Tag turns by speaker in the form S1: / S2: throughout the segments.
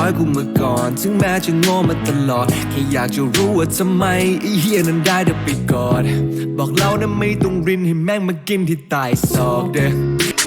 S1: น้อยกูมาก่อนถึงแม้จะโง่มาตลอดแค่อยากจะรู้ว่าทำไมไอ้เหี้ยนั้นได้เดินไปกอดบอกเรานะไม่ต้องรินให้แม่งมากินที่ใต้ซอกเด้อ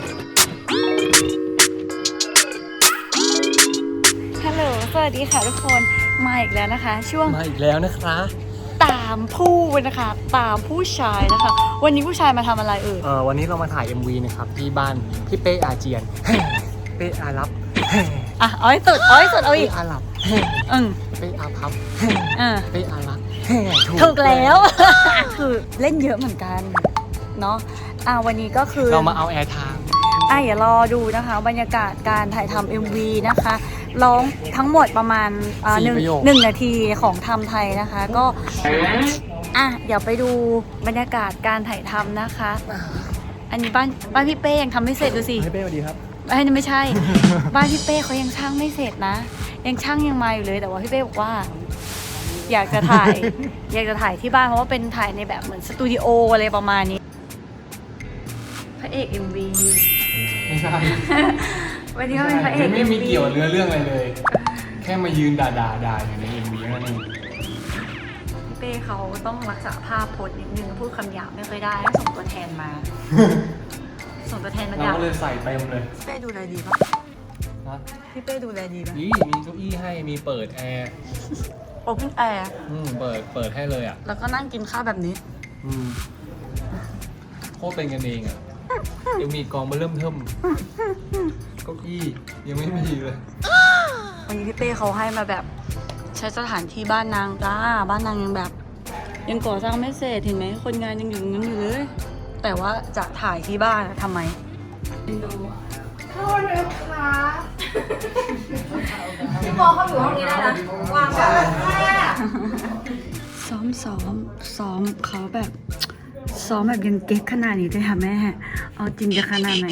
S2: ฮัลโหลสวัสดีค่ะทุกคนมาอีกแล้วนะคะช่วง
S3: มาอีกแล้วนะคะ
S2: ตามผู้นะคะตามผู้ชายนะคะวันนี้ผู้ชายมาทำอะไร
S3: วันนี้เรามาถ่าย MV นะครับที่บ้านพี่เป้อาเจียน เป้อารับ
S2: อ่ะเอาให้สุดเอาอีก
S3: เป้อาหลับ เป้อาพับ เป้อารัก
S2: ถูกแล้ว คือเล่นเยอะเหมือนกันเนาะวันนี้ก็คือ
S3: เรามาเอาแอร์ไทม์
S2: อย่ารอดูนะคะบรรยากาศการถ่ายทำ MV นะคะร้องทั้งหมดประมาณหนึ่งนาทีของทำไทยนะคะก็เดี๋ยวไปดูบรรยากาศการถ่ายทำนะคะ อันนี้บ้านพี่เป้ยังทำไม่เสร็จดูสิ
S3: พี่เป้สวัสดีครับ
S2: ไม่ใช่ บ้านพี่เป้เขายังช่างไม่เสร็จนะยังช่างยังมาอยู่เลยแต่ว่าพี่เป้บอกว่าอยากจะถ่าย อยากจะถ่ายที่บ้านเพราะว่าเป็นถ่ายในแบบเหมือนสตูดิโออะไรประมาณนี้พระเอก MV
S3: ไม่ใช่
S2: วันนี้ก็เป็นพระเอก
S3: ไม่มีเกี่ยวเรื่องอะไรเลยแค่มายืนด่าอยู่ใน MV นั่นเอง
S2: พี่เป้เขาต้องรักษาภาพพจน์นิดนึงพูดคำหยาบไม่ค่อยได้ต้องส่งตัวแทนมา ส่งตัวแทนมา
S3: เราก็เลยใส่เต็มเลย
S2: พี่เป้ดูแลดีปะพี่เป้ดูแลดีปะ
S3: นี่มีเก้าอี้ให้มีเปิดแอร์
S2: โอเพนแอร์
S3: เปิดให้เลยอ่ะ
S2: แล้วก็นั่งกินข้าวแบบนี้
S3: โคตรเป็นกันเองอ่ะยังมีกองมาเริ่มเทิมเก้าอี้ยังไม่มีเลย
S2: วันนี้พี่เป้เขาให้มาแบบใช้สถานที่บ้านนางจ้าบ้านนางยังแบบยังก่อสร้างไม่เสร็จเห็นไหมคนงานยังอยู่งั้นอยู่เลยแต่ว่าจะถ่ายที่บ้านทำไมดูโทษนะคะพี่โมเขาอยู่ห้องนี้ได้นะวางแบบซ้อมเขาแบบซ้อมแบบยังเก๊กขนาดนี้ด้วยค่ะแม่เอาจริงจะขนาดไหน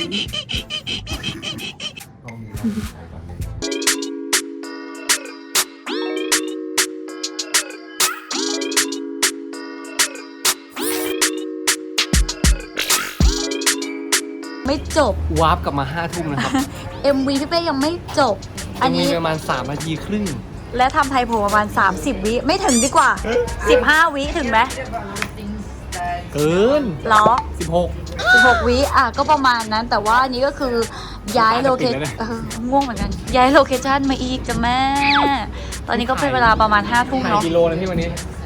S2: ไม่จบ
S3: วาร์ปกลับมา5 ทุ่มนะครับ
S2: MV พี่เป้ยังไม่จบ
S3: อันนี้ประมาณ3 นาทีครึ่ง
S2: และทำไทยโผล่ประมาณ30 วิไม่ถึงดีกว่า15 วิถึงไหม
S3: เกิน
S2: หรอ16 วิก็ประมาณนั้นแต่ว่าอันนี้ก็คือย้ายโลเคชั่นง่วงเหมือนกันย้ายโลเคชั่นมาอีกจ้ะแม่ตอนนี้ก็เป็นเวลาประมาณ5 ทุ่มเนาะ
S3: กิโลนะพี่วันนี้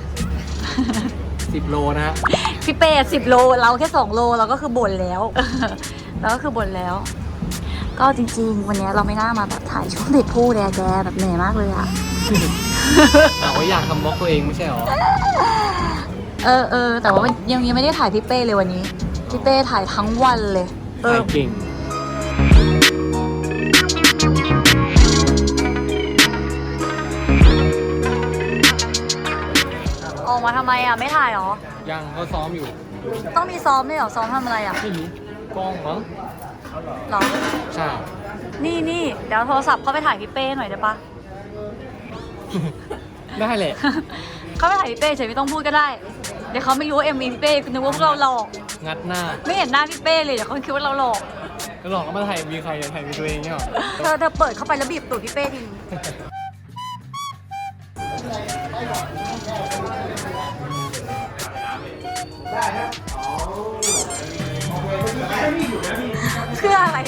S3: 10 โลนะฮะ
S2: พี่เป้10 โลเราแค่2 โลเราก็คือบ่นแล้วเราก็คือบ่นแล้วก็จริงๆวันนี้เราไม่น่ามาแบบถ่ายช่วงเด็กผู้แดแกแบบเหนื่อยมากเลยอะ
S3: แต่ว่าอยากทำบล็อกตัวเองไม่ใช่หรอ
S2: แต่ว่ายังไม่ได้ถ่ายพี่เป้เลยวันนี้พี่เป้ถ่ายทั้งวันเลย
S3: ถ่ายเก่ง
S2: ออกมาทำไมไม่ถ่ายหรอ
S3: ยังก็ซ้อมอยู่
S2: ต้องมีซ้อมด้วยหรอซ้อมทำอะไร
S3: ไม่รู้กล้องมั้ง
S2: หรอ
S3: ใช่
S2: นี่เดี๋ยวโทรศัพท์เข้าไปถ่ายพี่เป้หน่อยได้ปะ
S3: ได้แหละ
S2: เข้าไปถ่ายพี่เป้เฉยไม่ต้องพูดก็ได้เดี๋ยวเขาไม่รู้ว่าMVพี่เป้นึกว่าพวกเราหลอก
S3: งัดหน้า
S2: ไม่เห็นหน้าพี่เป้เลยเดี๋ยวเขาคิดว่าเราหลอก
S3: ก็หลอกแล้วมาถ่ายมีใครถ่ายมีตัวเองเนี่ยหรอ
S2: เธอเปิดเข้าไปแล้วบีบตูดพี่เป้ทีเพื่ออะไร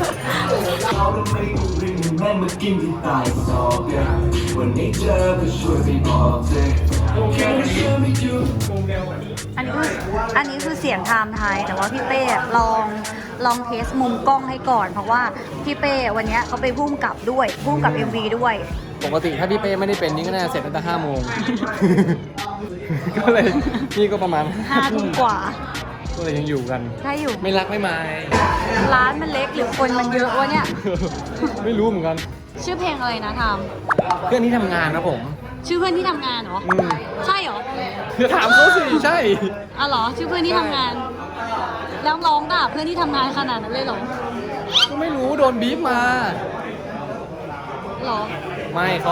S2: แม่มากินที่ตายซอกวันนี้เจอก็ช่วยไปบอกเธออันนี้คือเสียงไทม์ไทยแต่ว่าพี่เป้ลองเทสมุมกล้องให้ก่อนเพราะว่าพี่เป้วันนี้เขาไปพุ่มกับด้วยพุ่มกับ MV ด้วย
S3: ปกติถ้าพี่เป้ไม่ได้เป็นนี่ก็น่าจะเสร็จตั้งแต่5 โมงก็เลยนี่ก็ประมาณ
S2: 5 ทุ่มกว่า
S3: ก็เลยยังอยู่กัน
S2: ใช่อยู่
S3: ไม่รักไม่มา
S2: ร้านมันเล็กหรือคนมันเยอะวะเนี่ย
S3: ไม่รู้เหมือนกัน
S2: ชื่อเพลงอะไรนะท
S3: ำเพื่อนที่ทำงานนะผม
S2: ชื่อเพื่อนที่ทำงานเหรอใช่เหรอ
S3: ถามเขาสิใช่
S2: เหรอชื่อเพื่อนที่ทำงานแล้วร้องด่าเพื่อนที่ทำงานขนาดนั้นเลยเหรอ
S3: ก็ไม่รู้โดนบีบมา
S2: หรอ
S3: ไม่เขา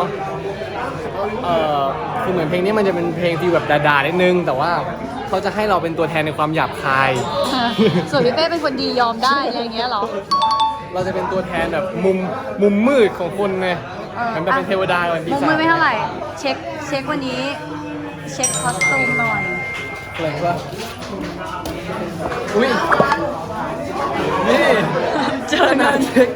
S3: คือเหมือนเพลงนี้มันจะเป็นเพลงที่แบบด่าๆนิดนึงแต่ว่าเขาจะให้เราเป็นตัวแทนในความหยาบคาย
S2: ส่วนพี่เป้เป็นคนดียอมได้อะไรอย่างเงี้ยหรอ
S3: เราจะเป็นตัวแทนแบบมุมมืดของคนไงมันเป็นเทวดาวันปี
S2: มุก
S3: ศาจ
S2: ไม่เท่าไหร่ เช็ควันนี้ เช็คคอสตูมหน่อย
S3: อะไรวะอุ้ยนี่
S2: เจอหน้า
S3: เช็ค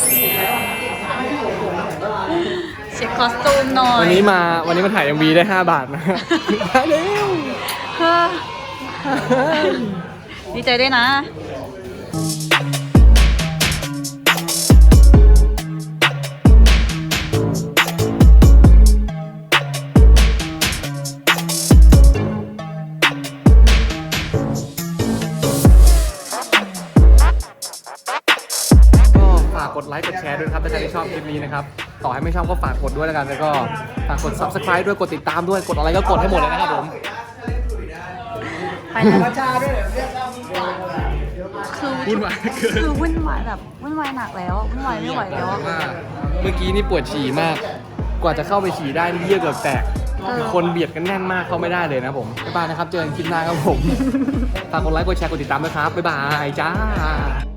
S2: เช็คคอสตูมหน่อย
S3: วันนี้มาถ่าย MV ได้ 5 บาทนะมาเร็ว
S2: เฮ้อดีใจด้วยนะ
S3: ก็ฝากกดไลค์กดแชร์ด้วยนะครับถ้าใครที่ชอบคลิปนี้นะครับต่อให้ไม่ชอบก็ฝากกดด้วยแล้วกันแล้วก็ฝากกด subscribe ด้วยกดติดตามด้วยกดอะไรก็กดให้หมดเลยนะครับผม
S2: ไปแล้ว
S3: วุ่นวายเกิน
S2: คือวุ่นวายแบบวุ่นวายหนักแล้ววุ่นวายไม่ไหวแล้ว
S3: ว่าเมื่อกี้นี่ปวดฉี่มาก กว่าจะเข้าไปฉี่ได้นี่เยี่ยวเกือบแตกคือคนเบียดกันแน่นมากเข้าไม่ได้เลยนะผมบ๊ายบายนะครับเจอกันคลิปหน้าครับผมฝากกดไลค์กดแชร์กดติดตามด้วยครับบ๊ายบายจ้า